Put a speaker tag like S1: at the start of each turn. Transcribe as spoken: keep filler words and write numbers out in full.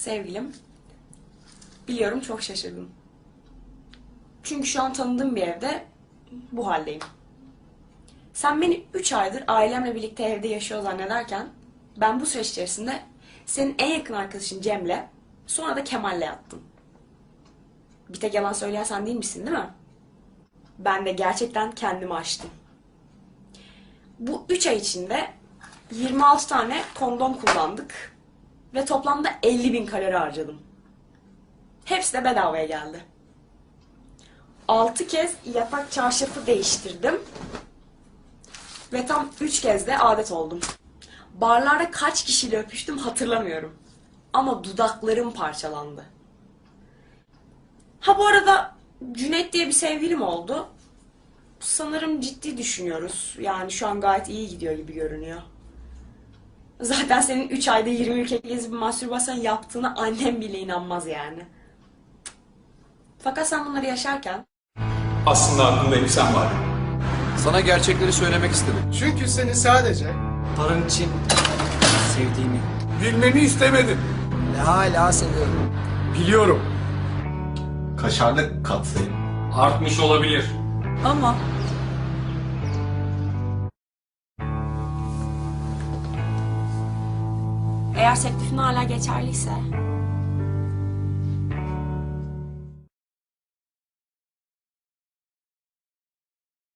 S1: Sevgilim, biliyorum çok şaşırdım. Çünkü şu an tanıdığım bir evde bu haldeyim. Sen beni üç aydır ailemle birlikte evde yaşıyor zannederken ben bu süreç içerisinde senin en yakın arkadaşın Cem'le sonra da Kemal'le yattım. Bir tek yalan söyleyen sen değil misin, değil mi? Ben de gerçekten kendimi aştım. Bu üç ay içinde yirmi altı tane kondom kullandık ve toplamda elli bin kalori harcadım. Hepsi de bedavaya geldi. altı kez yatak çarşafı değiştirdim ve tam üç kez de adet oldum. Barlarda kaç kişiyle öpüştüm hatırlamıyorum. Ama dudaklarım parçalandı. Ha bu arada Cüneyt diye bir sevgilim oldu. Sanırım ciddi düşünüyoruz. Yani şu an gayet iyi gidiyor gibi görünüyor. Zaten senin üç ayda yirmi ülke gezip bir mastürbasyon yaptığına annem bile inanmaz yani. Fakat sen bunları yaşarken...
S2: Aslında aklımda hep sen var.
S3: Sana gerçekleri söylemek istedim.
S4: Çünkü seni sadece
S5: Paran için sevdiğimi
S2: Bilmeni istemedim.
S5: ve hala seviyorum.
S2: Biliyorum.
S6: Kaşarlı katsayım.
S7: Artmış olabilir.
S1: Ama... Eğer teklifin hala geçerliyse